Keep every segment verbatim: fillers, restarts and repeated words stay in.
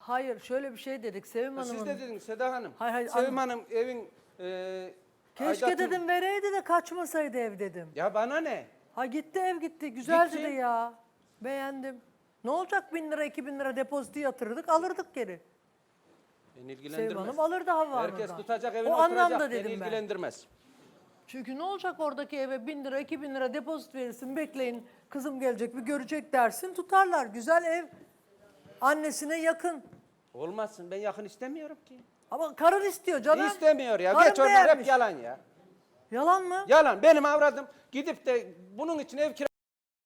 Hayır şöyle bir şey dedik Sevim Ha, Hanım'ın. siz de dediniz Seda Hanım. Hayır, hayır, Sevim anla- Hanım evin e, Keşke aidatını- dedim vereydi de kaçmasaydı ev dedim. Ya bana ne? Ha gitti ev gitti. Güzeldi Gitsin. de ya. Beğendim. Ne olacak bin lira iki bin lira depozito yatırırdık alırdık geri. Beni Sevim ilgilendirmez. Hanım alırdı Havva Herkes Hanım'dan. tutacak evine O oturacak. anlamda Beni dedim ben. ilgilendirmez. Çünkü ne olacak oradaki eve bin lira iki bin lira depozito verirsin bekleyin kızım gelecek bir görecek dersin tutarlar. Güzel ev annesine yakın. Olmazsın. Ben yakın istemiyorum ki. Ama karın istiyor canım. İstemiyor ya. Karın Geç onlar beğenmiş. hep yalan ya. Yalan mı? Yalan. Benim avradım gidip de bunun için ev kira...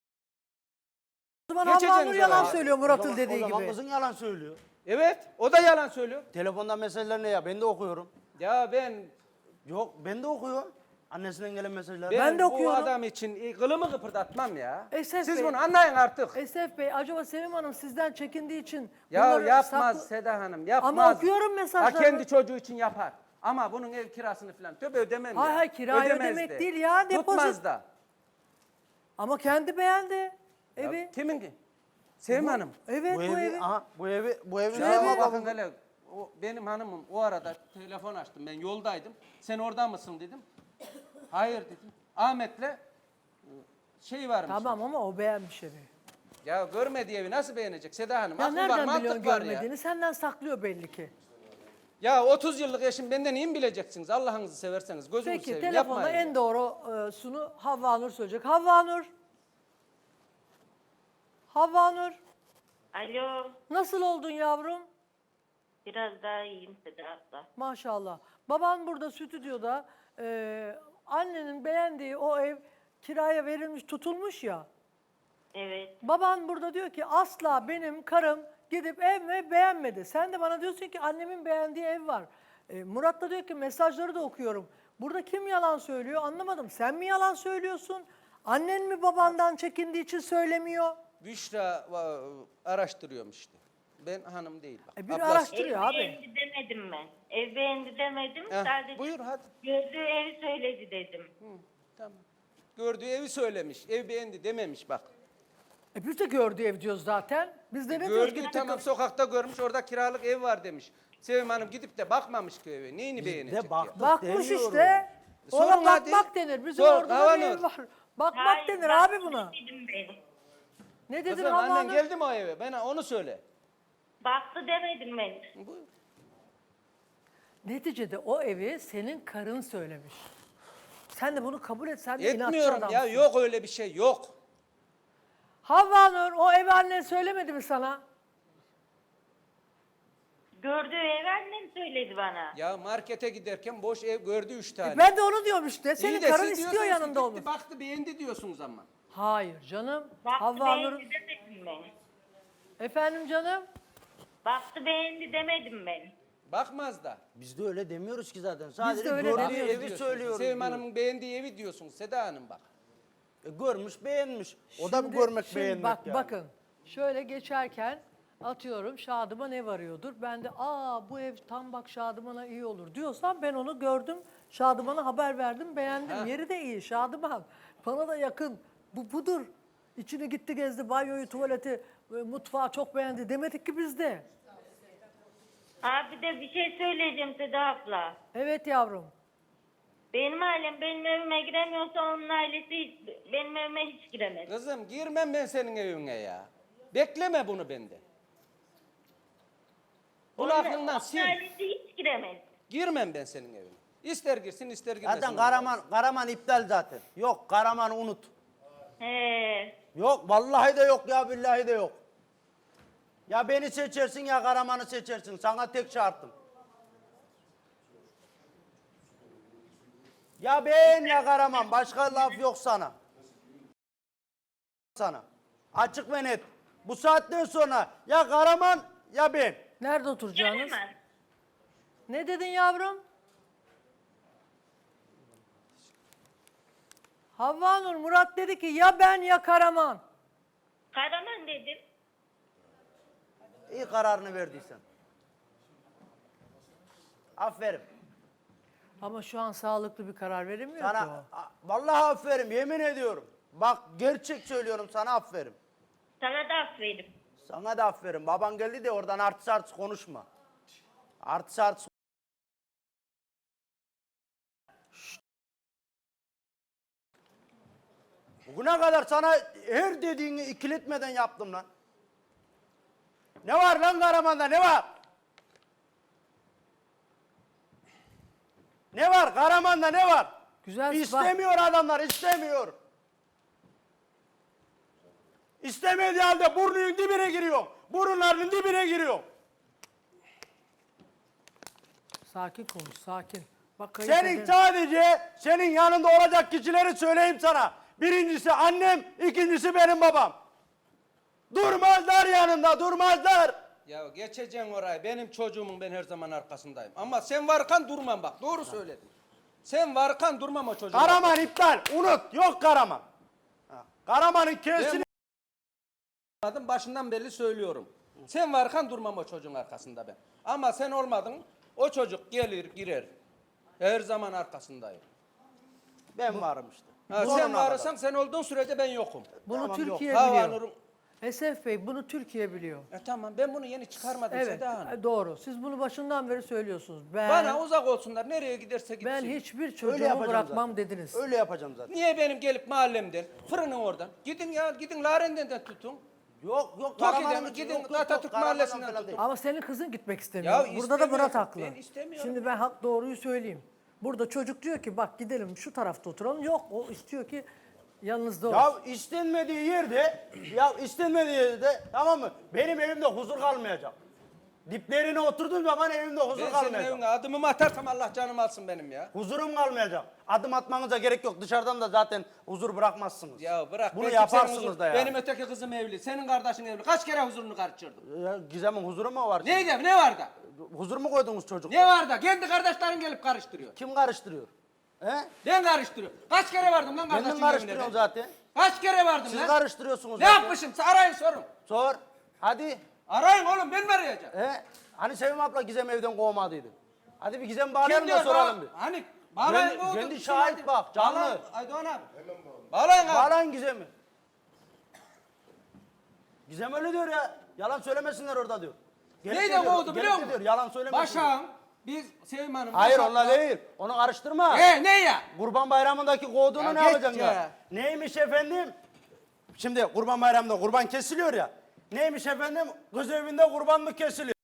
O zaman Geçeceksiniz Havva Nur yalan oraya. söylüyor O Murat'ın zaman- dediği o zaman gibi. kızın yalan söylüyor. Evet. O da yalan söylüyor. Telefonda mesajlar ne ya? Ben de okuyorum. Ya ben... Yok ben de okuyorum. Annesinden gelen mesajlar. Ben, Ben de bu okuyorum. adam için kılımı kıpırdatmam ya. Esef Siz Bey- bunu anlayın artık. Esef Bey acaba Sevim Hanım sizden çekindiği için Ya bunları yapmaz saklı- Seda Hanım, yapmaz. Ama okuyorum mesajlarını. Ha kendi çocuğu için yapar. Ama bunun ev kirasını falan tabii ödemem Hayır, ya. hayır, kirayı Ödemez ödemek de. değil ya, depozit. Tutmaz da. Ama kendi beğendi Ya evi. kimin ki? Sevim Hanım. Evet bu, bu, evi, evi. aha bu evi bu evi Şu ne evi- zaman Bakın bakın. hele o, benim hanımım o arada telefon açtım. Ben yoldaydım. Sen orada mısın dedim. Hayır dedim. Ahmet'le e, şey varmış. Tamam ama o beğenmiş evi. Ya görmediği evi nasıl beğenecek Seda Hanım? Ya Akıl var, nereden mantık biliyorsun var görmediğini? ya. Senden saklıyor belli ki. Ya otuz yıllık eşim benden iyi mi bileceksiniz? Allah'ınızı severseniz. Gözünüzü Peki seveyim. telefonda Yapmayın en ya. doğrusunu Havva Nur söyleyecek. Havva Nur. Havva Nur. Alo, Nasıl oldun yavrum? biraz daha iyiyim Seda abla. Maşallah. Baban burada stüdyoda e, annenin beğendiği o ev kiraya verilmiş tutulmuş ya. Evet, Baban burada diyor ki asla benim karım gidip ev mi beğenmedi. Sen de bana diyorsun ki annemin beğendiği ev var. E, Murat da diyor ki mesajları da okuyorum. Burada kim yalan söylüyor anlamadım. Sen mi yalan söylüyorsun? Annen mi babandan çekindiği için söylemiyor? Büşra va- araştırıyorum işte. Ben hanım değil bak. E, biri Ablası. araştırıyor ev abi. beğendi demedim ben. Ev beğendi demedim, Heh, sadece buyur hadi. gördüğü evi söyledi dedim. Hı, tamam. Gördüğü evi söylemiş. Ev beğendi dememiş bak. E biz de gördüğü ev diyoruz zaten. Biz de ne Gördüğü diyoruz? tamam sokakta görmüş orada kiralık ev var demiş. Sevim Hanım gidip de bakmamış ki eve. Neyini Biz beğenecek de ya? baktık Bakmış demiyorum. işte. Sorun Ona bakmak hadi. denir. Bizim Sor, orada da Havanur. bir ev var. Bakmak Hayır, denir baktı abi buna. demedim ben. Ne dedin Kızım Havva annen Nur? geldi mi o eve? Bana onu söyle. Baktı demedim ben. Buyur. Neticede o evi senin karın söylemiş. Sen de bunu kabul et. Sen de inatçı Etmiyorum adamsın. ya yok öyle bir şey yok. Havva Nur o evi annen söylemedi mi sana? Gördüğü evi annem söyledi bana. Ya markete giderken boş ev gördü üç tane. E ben de onu diyorum işte. Senin İyi de karın siz istiyor diyorsunuz ki yanında gitti, olması. baktı beğendi diyorsunuz ama. Hayır canım. Baktı Havva Nur. beğendi demedim ben. Efendim canım? Baktı beğendi demedim ben. Bakmaz da. Biz de öyle demiyoruz ki zaten. Sadece öyle gördüğü demiyoruz evi Diyorsunuz. söylüyoruz. Sevim diyor. Hanım'ın beğendiği evi diyorsunuz Seda Hanım bak. E, görmüş beğenmiş. O da bir Şimdi- görmek şimdi beğenmek bak, yani. Bakın şöyle geçerken atıyorum Şadıman ev arıyordur. Ben de aa bu ev tam bak Şadıman'a iyi olur diyorsam ben onu gördüm. Şadıman'a haber verdim beğendim. Ha. Yeri de iyi Şadıman. Bana da yakın. Bu budur. İçine gitti gezdi banyoyu tuvaleti e, mutfağı çok beğendi demedik ki biz de. Abi de bir şey söyleyeceğim Seda abla. Evet yavrum. Benim ailem benim evime giremiyorsa onun ailesi hiç, benim evime hiç giremez. Kızım girmem ben senin evine ya. Bekleme bunu bende. Bunu Onun- aklından onun sil. ailesi hiç giremez. Girmem ben senin evine. İster girsin ister girmesin. Zaten Karaman, Karaman iptal zaten. Yok Karaman'ı unut. He. Yok vallahi de yok ya billahi de yok. Ya beni seçersin ya Karaman'ı seçersin. Sana tek şartım. Ya ben ya Karaman. Başka laf yok sana. Sana. Açık ve net. Bu saatten sonra ya Karaman ya ben. Nerede oturacaksınız? Gelemez. Ne dedin yavrum? Havva Nur Murat dedi ki ya ben ya Karaman. Karaman dedim. İyi kararını verdiysen. Aferin. Ama şu an sağlıklı bir karar veremiyor ki Sana o. a- vallahi aferin yemin ediyorum. Bak gerçek söylüyorum sana aferin. Sana da aferin. Sana da aferin. Baban geldi de oradan artist artist konuşma. Artist artist. Şşt. Bugüne kadar sana her dediğini ikiletmeden yaptım lan. Ne var lan Karaman'da ne var? Ne var Karaman'da ne var? Güzel, İstemiyor adamlar istemiyor. İstemediği halde burnunun dibine giriyor. Burunlarının dibine giriyor. Sakin konuş, sakin. Bak Senin kayınpederin- sadece senin yanında olacak kişileri söyleyeyim sana. Birincisi annem, ikincisi benim babam. Durmazlar yanında, durmazlar. Ya geçeceksin orayı. Benim çocuğumun ben her zaman arkasındayım. Ama sen varken durmam bak. Doğru söyledin. Sen varken durmam o çocuğun. Karaman iptal, unut. Yok Karaman. Ha, Karaman'ın kesini... Adım başından belli söylüyorum. Sen varken durmam o çocuğun arkasında ben. Ama sen olmadın. O çocuk gelir girer. Her zaman arkasındayım. Ben varım işte. Ha, Sonuna sen kadar. varsan sen olduğun sürece ben yokum. Bunu Tamam, Türkiye yok. Hava biliyor. Nur'un- Esef Bey bunu Türkiye biliyor. E tamam ben bunu yeni çıkarmadım Evet, Seda Hanım. e, doğru. Siz bunu başından beri söylüyorsunuz. Ben Bana uzak olsunlar. Nereye giderse gitsin. ben hiçbir Öyle çocuğumu yapacağım bırakmam zaten. dediniz. Öyle yapacağım zaten. Niye benim gelip mahallemden, fırının oradan. Gidin ya, gidin Laren'den de tutun. Yok yok Toki'den Karaman'ın mi? için Gidin yok, yok, yok. Atatürk Karaman'dan Mahallesi'nden falan tutun. değil. Ama senin kızın gitmek istemiyor. Ya Burada da istemiyorum, Murat haklı. ben istemiyorum. Şimdi ben hak doğruyu söyleyeyim. Burada çocuk diyor ki bak gidelim şu tarafta oturalım. Yok o istiyor ki yanınızda olsun. Ya istenmediği yerde, ya istenmediği yerde tamam mı? Benim evimde huzur kalmayacak. Diplerine oturduğum zaman evimde huzur Ben senin kalmayacak. evine adımımı atarsam Allah canımı alsın benim ya. Huzurum kalmayacak. Adım atmanıza gerek yok. Dışarıdan da zaten huzur bırakmazsınız. Ya bırak. Bunu ben yaparsınız kimsenin huzur- da ya. Benim öteki kızım evli, senin kardeşin evli. Kaç kere huzurunu kaçırdım. Ya, Gizem'in huzuru mu var? şimdi? Neydi, ne var da? Huzur mu koydunuz çocukta? Ne var da? Kendi kardeşlerin gelip karıştırıyor. Kim karıştırıyor? He? Ben karıştırıyorum. Kaç kere vardım lan kardeşin Kendin evine karıştırıyorsun ben? zaten. Kaç kere vardım Siz lan? karıştırıyorsunuz Ne zaten. yapmışım? Arayın sorun. Sor. Hadi. Arayın oğlum ben mi arayacağım? He? Hani Sevim abla Gizem evden kovmadıydı. Hadi bir Gizem bağlayalım da diyor? soralım Bağ- bir. Hani bağlayın Kendi- oğlum, kendi bir şey şahit hadi. bak, canlı. Bağlayın, Aydoğan abi. Bağlayın abi. Bağlayın Gizem'i. Gizem öyle diyor ya. Yalan söylemesinler orada diyor. Gelip de Neyden diyor, kovdu gelip biliyor de musun? diyor, yalan söylemesinler. Başak'ın biz Sevim Hanım. Hayır Başak'la- onunla değil. Onu karıştırma. E ne ya? Kurban Bayramı'ndaki kovduğunu Ya ne geç yapacaksın ya? ya. Neymiş efendim? Şimdi Kurban Bayramı'nda kurban kesiliyor ya. Neymiş efendim? Kız evinde kurbanlık kesiliyor.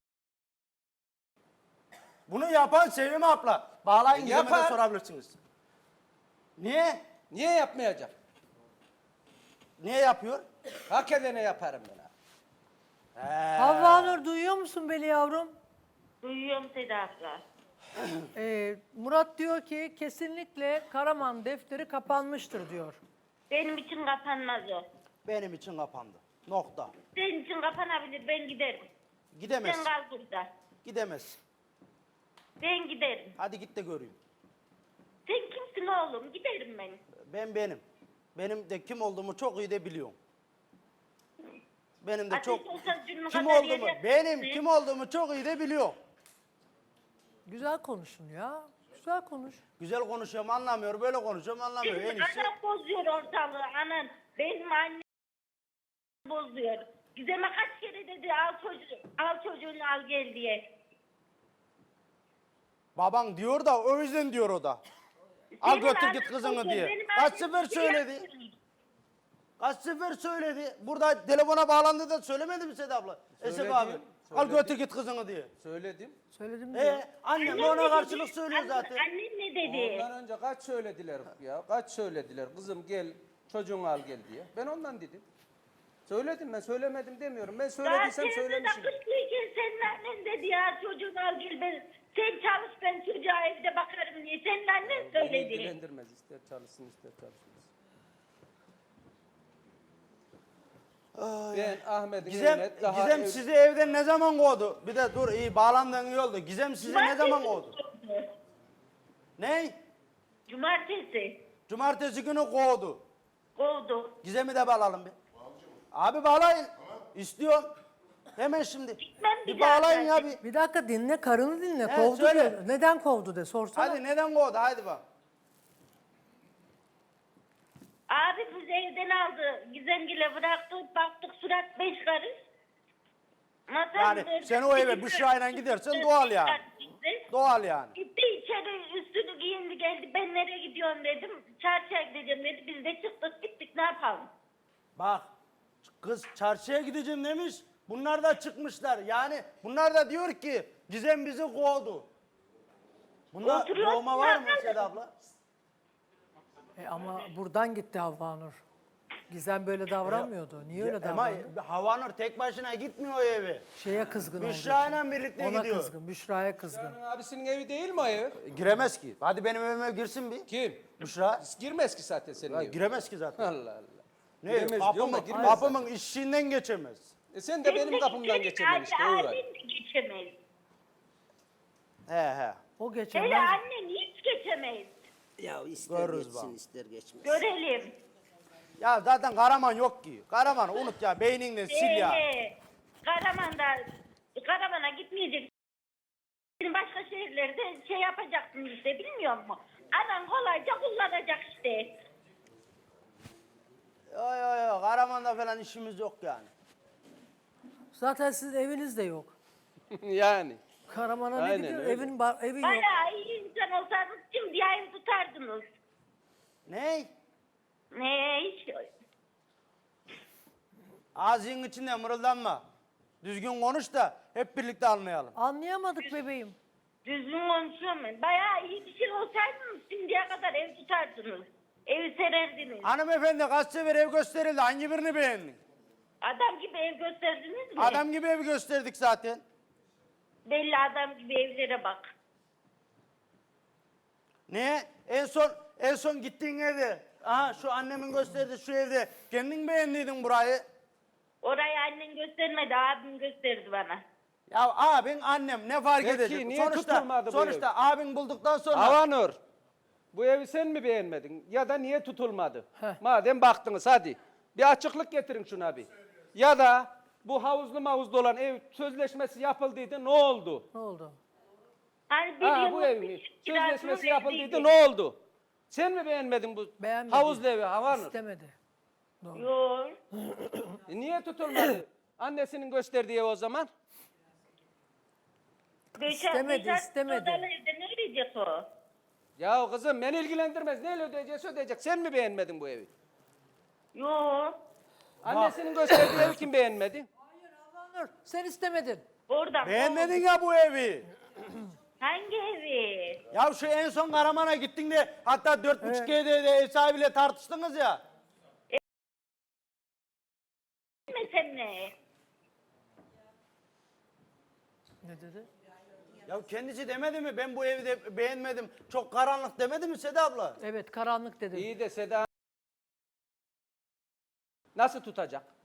Bunu yapan Sevim abla. Bağlayın Gizem'e de Yapar. sorabilirsiniz. Niye? Niye yapmayacak? Niye yapıyor? Hak edene yaparım ben abi. Havva Nur duyuyor musun beni yavrum? Duyuyorum Seda abla. Ee, Murat diyor ki kesinlikle Karaman defteri kapanmıştır diyor. Benim için kapanmaz o. Benim için kapandı. Nokta. Senin için kapanabilir, ben giderim. Gidemez. Sen kal burada. Gidemez. Ben giderim. Hadi git de göreyim. Sen kimsin oğlum? Giderim ben. Ben benim. Benim de kim olduğumu çok iyi de biliyorum. Benim de Ateş çok olsa cürmü kim kadar olduğumu, yere- benim Ne? kim olduğumu çok iyi de biliyorum. Güzel konuşun ya. Güzel konuş. Güzel konuşuyorum anlamıyor, böyle konuşuyorum anlamıyor. En Senin iyisi. anan bozuyor ortalığı, anan. Benim annem bozuyor. Gizem'e kaç kere dedi al çocuğu, al çocuğunu al gel diye. Baban diyor da o yüzden diyor o da. Al Senin götür anan git kızını bozuyor, diye. benim Kaç annem sefer bir şey söyledi? yapmıyor. Kaç sefer söyledi. Burada telefona bağlandı da söylemedi mi Seda abla? Esef Söyledim, abi. Al söyledim. götür git kızını diye. Söyledim. Söyledim diyor. E annem de Annem ona ne karşılık dedi? söylüyor Anne- zaten. Annem ne dedi? Ondan önce kaç söylediler ya? Kaç söylediler? Kızım gel, çocuğunu al gel diye. Ben ondan dedim. Söyledim ben söylemedim demiyorum. Ben Daha söylediysem teyze de söylemişim. kışlıyken senin annen dedi ya çocuğunu al gel ben. Sen çalış ben çocuğa evde bakarım diye. Senin annen Beni söyledi. ilgilendirmez. İster çalışsın ister çalışmaz. Ben Ahmet'in Gizem, evine daha Gizem ev- sizi evden ne zaman kovdu? Bir de dur iyi bağlandığın iyi oldu. Gizem sizi ne zaman kovdu? Ne? Cumartesi Cumartesi günü kovdu. kovdu. Gizem'i de bağlayalım bir. Abi bağlayın. İstiyorum. Hemen şimdi. Gitmem Bir bir daha bağlayın ya zaten. bir. Bir dakika dinle, karını dinle. Evet, kovdu söyle. diyor. Neden kovdu de sorsana. Hadi neden kovdu? Hadi bak. Abi bizi evden aldı. Gizemgil'e bıraktı. Baktık surat beş karış. Masam Yani üzerinde sen o eve bir Büşra'yla gidersen doğal yani. gitti. Doğal yani. Gitti içeri üstünü giyindi geldi. Ben nereye gidiyorum dedim. Çarşıya gideceğim dedi. Biz de çıktık gittik ne yapalım. Bak kız çarşıya gideceğim demiş. Bunlar da çıkmışlar. Yani bunlar da diyor ki Gizem bizi kovdu. Bunda Oturuyor kovma var mı zaten. Seda abla? E ama buradan gitti Havva Nur. Gizem böyle davranmıyordu. Niye öyle Ama davrandı? Havanur tek başına gitmiyor o eve. Şeye kızgın oldu. Büşra'yla birlikte Ona gidiyor. kızgın, Büşra'ya kızgın. Senin abisinin evi değil mi o ev? Giremez ki. Hadi benim evime girsin bir. Kim? Büşra. Girmez ki zaten senin Ya evine. giremez ki zaten. Allah Allah. Ne? Giremez diyorum da Kapımın, girmez kapımın işiğinden geçemez. E sen de benim kapımdan geçemem işte o var. Abim de geçemez. He he. O Hele geçemez. annen hiç geçemez. Ya ister Görürüz geçsin bak. ister geçmez. Görelim. Ya zaten Karaman yok ki. Karaman unut ya. Beyninden sil ya. Ee, Karaman'da, Karaman'a gitmeyecek. Başka şehirlerde şey yapacaksın işte bilmiyor musun? Anan kolayca kullanacak işte. Yo yo yo. Karaman'da falan işimiz yok yani. Zaten sizin eviniz de yok. Yani. Karaman'a ne Aynen gidiyor? öyle. Evin, bar- evin yok. Bayağı iyi insan olsanız şimdi ev tutardınız. Ne? Ne hiç Ağzının içinde mırıldanma. Düzgün konuş da hep birlikte anlayalım. Anlayamadık bebeğim. düzgün konuşuyorum ben. Bayağı iyi bir şey olsaydınız şimdiye kadar ev tutardınız. Evi sererdiniz. Hanımefendi kaç sefer ev gösterildi. Hangi birini beğendin? Adam gibi ev gösterdiniz mi? Adam gibi ev gösterdik zaten. Belli adam gibi evlere bak. Ne? En son en son gittiğin evde. Aha şu annemin gösterdiği şu evde. Kendin beğendiydin burayı. Orayı annen göstermedi, abim gösterdi bana. Ya abin annem ne fark Peki, edecek? niye sonuçta tutulmadı bu sonuçta abin bulduktan sonra Havanur. Bu evi sen mi beğenmedin ya da niye tutulmadı? Heh. Madem baktınız hadi. Bir açıklık getirin şuna bir. Ya da bu havuzlu mavuzlu olan ev sözleşmesi yapıldıydı ne oldu? Ne oldu? Hani bir Ha yıllık bu bir evin kirasının sözleşmesi eviydi. yapıldıydı ne oldu? Sen mi beğenmedin bu Beğenmedi. havuzlu evi Havanur? İstemedi. Doğru. Yok. E niye tutulmadı? Annesinin gösterdiği ev o zaman. Beşer, İstemedi, beşer istemedi. odalı evde ne ödeyecek o? Ya kızım beni ilgilendirmez. Neyle ödeyecekse ödeyecek. Sen mi beğenmedin bu evi? Yok. Annesinin gösterdiği evi kim beğenmedi? Havva Nur, sen istemedin. Oradan. beğenmedin ya bu evi. Hangi evi? Ya şu en son Karaman'a gittin de hatta dört buçuk G'de de ev sahibiyle tartıştınız ya. Ne sen ne? Ne dedi? Ya kendisi demedi mi ben bu evi de beğenmedim çok karanlık demedi mi Seda abla? Evet, karanlık dedi. İyi de Seda nasıl tutacak?